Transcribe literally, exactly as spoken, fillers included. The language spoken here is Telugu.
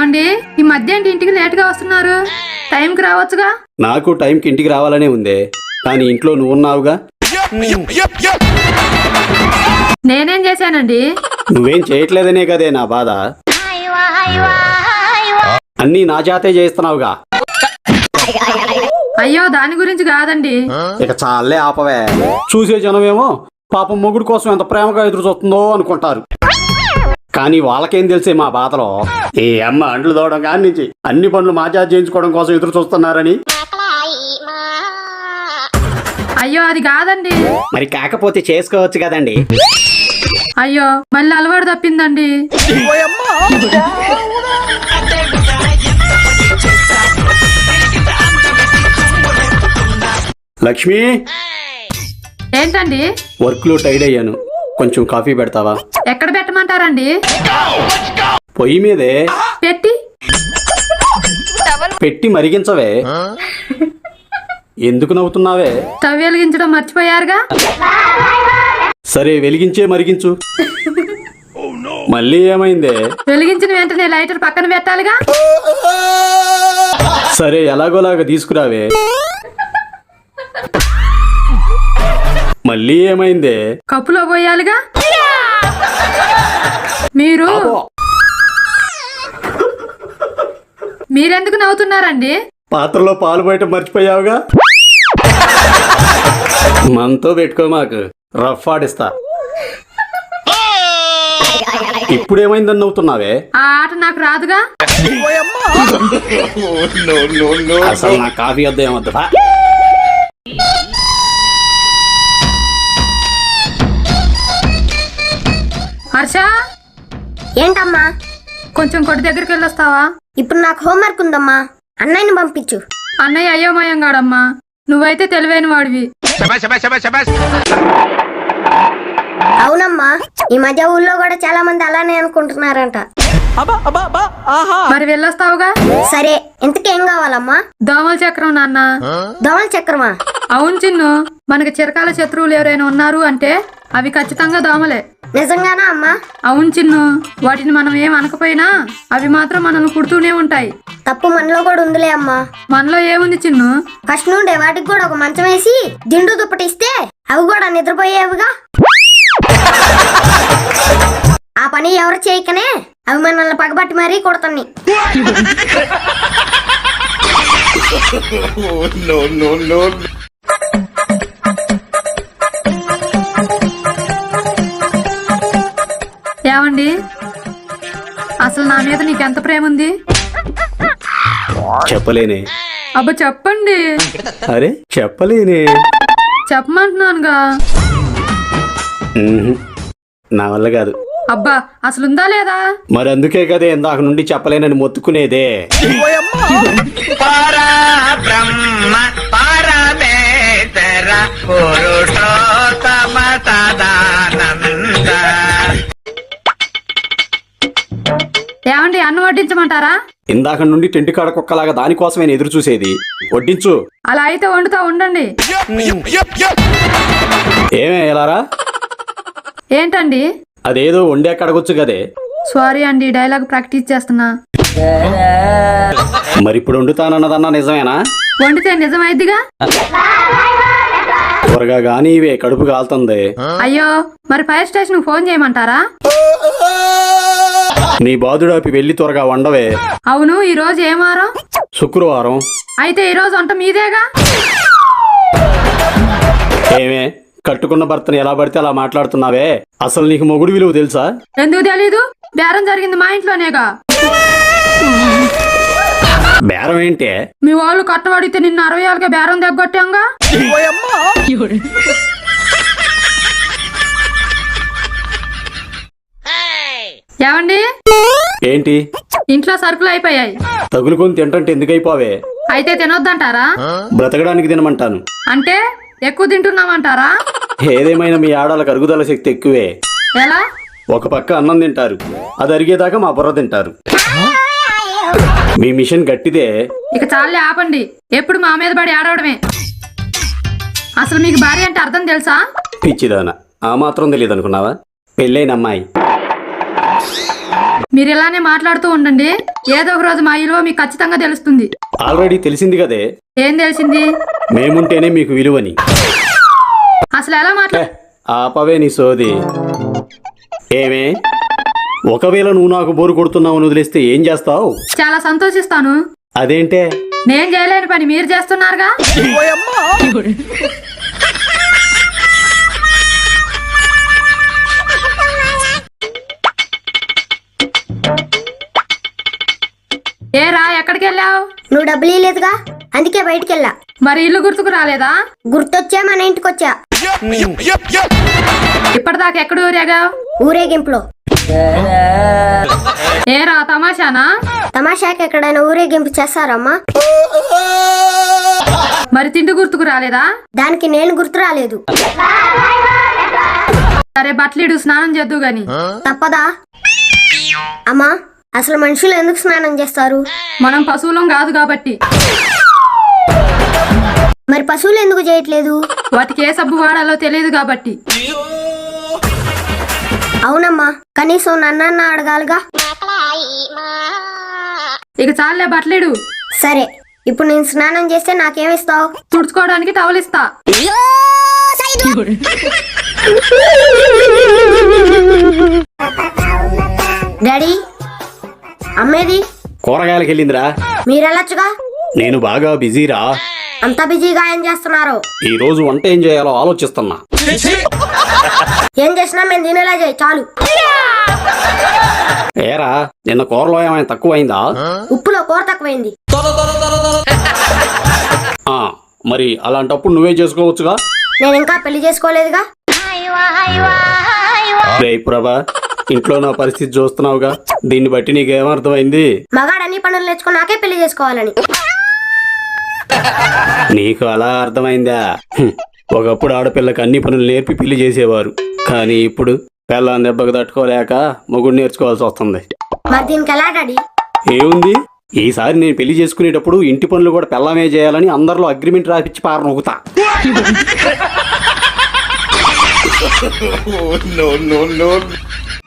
ఏమండి ఈ మధ్య ఏంటి ఇంటికి లేట్ గా వస్తున్నారు? టైంకి రావచ్చుగా. నాకు టైంకి ఇంటికి రావాలనే ఉందే, కానీ ఇంట్లో నువ్వు ఉన్నావుగా. నేనేం చేశానండి? నువ్వేం చేయట్లేదనే కదే నా బాధ. అన్నీ నా చేతే చేస్తున్నావుగా. అయ్యో దాని గురించి కాదండి. ఇక చాలే ఆపవే. చూసే జనమేమో పాపం మొగుడు కోసం ఎంత ప్రేమగా ఎదురు చూస్తుందో అనుకుంటారు, కానీ వాళ్ళకేం తెలిసే మా బాధలో. ఏ అమ్మ అంట్లు తోవడం కాని నుంచి అన్ని పనులు మా చేత చేయించుకోవడం కోసం ఎదురు చూస్తున్నారని. అయ్యో అది కాదండి. మరి కాకపోతే చేసుకోవచ్చు కదండి. అయ్యో మళ్ళీ అలవాటు తప్పిందండి. లక్ష్మి, ఏంటండి? వర్క్ లో టైడ్ అయ్యాను, కొంచెం కాఫీ పెడతావా? ఎక్కడ పెట్టమంటారండి? పొయ్యి మీదే పెట్టి పెట్టి మరిగించవే. ఎందుకు నవ్వుతున్నావే? స్టవ్ వెలిగించడం మర్చిపోయారుగా. సరే వెలిగించే మరిగించు. మళ్ళీ ఏమైందే? వెలిగించిన వెంటనే లైటర్ పక్కన పెట్టాలిగా. సరే ఎలాగోలాగా తీసుకురావే. మళ్ళీ ఏమైందే? కప్పులో పోయాలిగా. మీరు మీరెందుకు నవ్వుతున్నారండి? పాత్రలో పాలు బయట మర్చిపోయావుగా. మనతో పెట్టుకో, మాకు రఫ్ ఆడిస్తా. ఇప్పుడేమైందని నవ్వుతున్నావే? ఆ ఆట నాకు రాదుగా. అసలు నా కాఫీ వద్ద ఏమొద్దా? హర్ష, ఏంటమ్మా? కొంచెం కొట్టి దగ్గరికి వెళ్ళొస్తావా? ఇప్పుడు నాకు హోంవర్క్ ఉందమ్మా, అన్నయ్యని పంపించు. అన్నయ్య అయోమయం గాడమ్మా, నువ్వైతే తెలివైన వాడివి. అవునమ్మా, ఈ మధ్య ఊళ్ళో కూడా చాలా మంది అలానే అనుకుంటున్నారంట. మరి వెళ్ళొస్తావుగా. సరే, ఇంతకేం కావాలమ్మా? దోమల చక్రం నాన్న. దోమల చక్రమా? అవును చిన్ను, మనకి చిరకాల శత్రువులు ఎవరైనా ఉన్నారు అంటే అవి ఖచ్చితంగా దోమలే. నిజంగానా అమ్మా? అవును చిన్ను, వాటిని మనం ఏం అనకపోయినా అవి మాత్రం మనల్ని కుడుతూనే ఉంటాయి. తప్పు మనలో కూడా ఉందిలే అమ్మా. మనలో ఏముంది చిన్ను? ఫస్ట్ నుండే వాటికి కూడా ఒక మంచం వేసి దిండు దుప్పటిస్తే అవి కూడా నిద్రపోయేవిగా. ఆ పని ఎవరు చేయకనే అవి మనల్ని పగబట్టి మరీ కొడతాన్ని. ఏమండి, అసలు నా మీద నీకెంత ప్రేమ ఉంది? చెప్పలేనే. అబ్బా చెప్పండి. అరే చెప్పలేనే. చెప్పమంటున్నానుగా. ఉహు, నా వల్ల కాదు. అబ్బా అసలుందా లేదా? మరి అందుకే కదే ఇందాక నుండి చెప్పలేనని మొత్తుకునేదే. ఏమండి, అన్నం వడ్డించమంటారా? ఇందాక నుండి టెంట్ కాడ కుక్కలాగా దానికోసమే ఎదురు చూసేది. వడ్డించు. అలా అయితే వండుతా ఉండండి. ఏమే ఎలారా? ఏంటండి? అదేదో వండే కడగొచ్చు కదే. సారీ అండి, డైలాగ్ ప్రాక్టీస్ చేస్తున్నా. మరి ఇప్పుడు వండుతానన్నదన్నా నిజమేనా? వండితే నిజమైద్దిగా. త్వరగా గానీ ఇవే, కడుపు కాలుతుంది. అయ్యో, మరి ఫైర్ స్టేషన్ ఫోన్ చేయమంటారా? నీ బాధుడాపి వెళ్ళి త్వరగా వండవే. అవును, ఈ రోజు ఏ వారం? శుక్రవారం. అయితే ఈ రోజు వంట మీదేగా. ఏమే, కట్టుకున్న భర్తను ఎలా పడితే అలా మాట్లాడుతున్నావే? అసలు నీకు మొగుడు విలువ తెలుసా? ఎందుకు తెలీదు? బేరం జరిగింది మా ఇంట్లోనేగా. బేరం ఏంటే? మీ వాళ్ళు కట్టబడితే నిన్ను అరవై ఏళ్ళకే బేరం దగ్గొట్టాంగా. ఏమండి, ఏంటి? ఇంట్లో సరుకులు అయిపోయాయి. తగులుకొని తింటంటే ఎందుకైపోవే? అయితే తినొద్దంటారా? బ్రతకడానికి తినమంటాను. అంటే ఎక్కువ తింటున్నామంటారా? ఏదేమైనా మీ ఆడాలకు అరుగుదల శక్తి ఎక్కువే. ఎలా? ఒక పక్క అన్నం తింటారు, అది అరిగేదాకా మా బుర్ర తింటారు. మీ మిషన్ గట్టిదే. ఇక చాలే ఆపండి, ఎప్పుడు మా మీద పడి ఆడవడమే. అసలు మీకు భార్య అంటే అర్థం తెలుసా? పిచ్చిదానా, ఆ మాత్రం తెలియదు అనుకున్నావా? పెళ్ళైన అమ్మాయి. మీరు ఇలానే మాట్లాడుతూ ఉండండి, ఏదో ఒక రోజు మా విలువ మీకు ఖచ్చితంగా తెలుస్తుంది. ఆల్రెడీ తెలిసింది కదే, ఏం తెలిసింది? మేముంటేనే మీకు విలువని. అసలు ఎలా మాట్లా ఏ, ఆపవే నీ సోది. ఏమే, ఒకవేళ నువ్వు నాకు బోరు కొడుతున్నావు అని వదిలేస్తే ఏం చేస్తావు? చాలా సంతోషిస్తాను. అదేంటే? నేను చేయలేని పని మీరు చేస్తున్నారుగా. ఏరా ఎక్కడికి వెళ్ళావు? నువ్వు డబ్బులు ఇవ్వలేదుగా, అందుకే బయటికి వెళ్ళా. మరి ఇల్లు గుర్తుకు రాలేదా? గుర్తొచ్చా మన ఇంటికి వచ్చా. ఇప్పటిదాకా ఎక్కడ ఊరేగావు? ఊరేగింపులో. ఏరా తమాషానా? తమాషాకి ఎక్కడైనా ఊరేగింపు చేస్తారమ్మా? మరి తిండి గుర్తుకు రాలేదా? దానికి నేను గుర్తు రాలేదు. సరే బట్టలిడు, స్నానం చేద్దు గాని. తప్పదా అమ్మా? అసలు మనుషులు ఎందుకు స్నానం చేస్తారు? మనం పశువులం కాదు కాబట్టి. మరి పశువులు ఎందుకు చేయట్లేదు? వాటికి ఏ సబ్బు వాడాలో తెలియదు కాబట్టి. అవునమ్మా, కనీసం నన్నన్న అడగాలిగా. ఇక చాలే బట్టలిడు. సరే, ఇప్పుడు నేను స్నానం చేస్తే నాకేమిస్తావు? తుడుచుకోవడానికి టవలిస్తా. డాడీ, అమ్మేది? కూరగాయలకి వెళ్ళిందిరా. మీరెళ్ళొచ్చుగా. నేను బాగా బిజీరా. అంత బిజీగా ఏం చేస్తున్నారు? ఈ రోజు వంట ఏం చేయాలో ఆలోచిస్తున్నా. ఏం చేసినా మేము తినేలా చేయి చాలు. ఏరా, నిన్న కూరలో ఏమైనా తక్కువైందా? ఉప్పులో కూర తక్కువైంది. ఆ, మరి అలాంటప్పుడు నువ్వే చేసుకోవచ్చుగా. నేను ఇంకా పెళ్లి చేసుకోలేదుగా. రేయ్ ప్రభా, ఇంట్లో నా పరిస్థితి చూస్తున్నావుగా, దీన్ని బట్టి నీకేమర్థమైంది? మగాడన్ని పనులు నేర్చుకుని నాకే పెళ్లి చేసుకోవాలని. నీకు అలా అర్థమైందా? హ్మ్. ఒకప్పుడు ఆడపిల్లకి అన్ని పనులు నేర్పి పెళ్లి చేసేవారు, కానీ ఇప్పుడు పిల్లని దెబ్బకు తట్టుకోలేక మొగుడు నేర్చుకోవాల్సి వస్తుంది. మరి దీనికి ఎలా డాడీ? ఏముంది, ఈసారి నేను పెళ్లి చేసుకునేటప్పుడు ఇంటి పనులు కూడా పిల్లమే చేయాలని అందరిలో అగ్రిమెంట్ రాపిచ్చి పార నొక్కుతా. no, no, no.